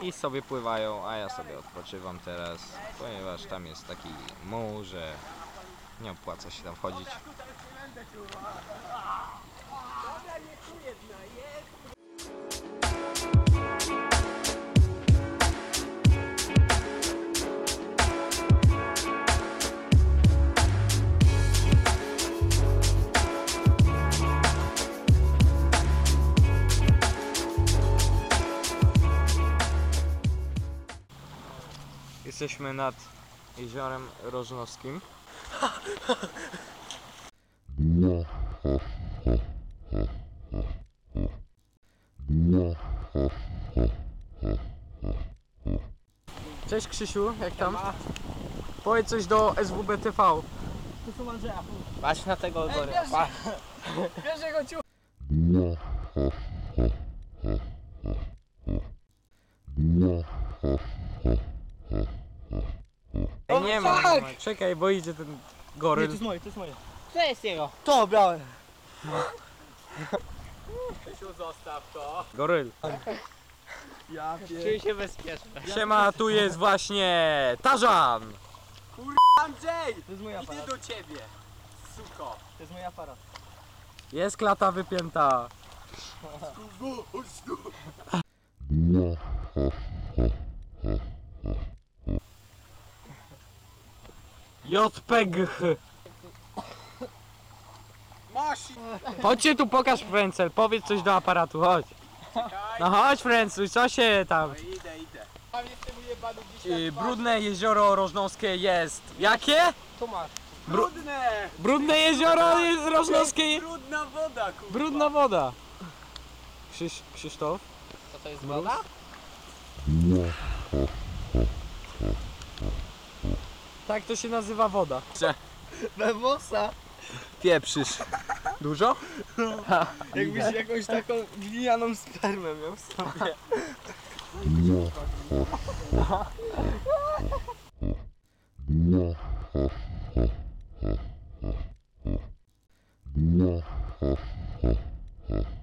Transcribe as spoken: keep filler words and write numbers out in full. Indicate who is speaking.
Speaker 1: i sobie pływają, a ja sobie odpoczywam teraz, ponieważ tam jest taki muł, że nie opłaca się tam wchodzić. Jesteśmy nad jeziorem Rożnowskim. Cześć Krzysiu, jak tam? Powiedz coś do S W B T V.
Speaker 2: Tu są Andrzeja.
Speaker 3: Patrz na tego gory.
Speaker 2: Wiesz jego ciu...
Speaker 1: Ej, nie ma, nie ma. Czekaj, bo idzie ten
Speaker 2: Nie, to
Speaker 1: goryl.
Speaker 2: jest moje, to jest moje.
Speaker 3: To jest jego.
Speaker 2: To brałem.
Speaker 3: Krzysiu, zostaw to.
Speaker 1: Goryl.
Speaker 2: Ja
Speaker 3: Czuję się bezpieczny.
Speaker 1: Siema, tu jest właśnie Tarzan.
Speaker 3: Andrzej!
Speaker 2: To jest mój aparat.
Speaker 3: Idę do ciebie. Suko.
Speaker 2: To jest mój aparat.
Speaker 1: Jest klata wypięta. J P G H.
Speaker 3: Masz!
Speaker 1: Chodźcie tu, pokaż Frencel, powiedz coś do aparatu, chodź. No chodź Frencuj, co się tam?
Speaker 3: Idę, idę. Tam jestem ujebany dzisiaj.
Speaker 1: Yy, brudne jezioro Rożnowskie jest. Jakie?
Speaker 2: Tu masz.
Speaker 3: Brudne!
Speaker 1: Brudne jezioro jest Rożnowskie.
Speaker 3: Brudna woda, kurwa.
Speaker 1: Brudna woda. Krzyś, Krzysztof?
Speaker 3: Co to jest woda?
Speaker 1: Tak to się nazywa woda.
Speaker 2: Bewosa.
Speaker 1: Pieprzysz. Dużo?
Speaker 2: Jakbyś jakąś taką glinianą spermę miał w sobie.
Speaker 4: No.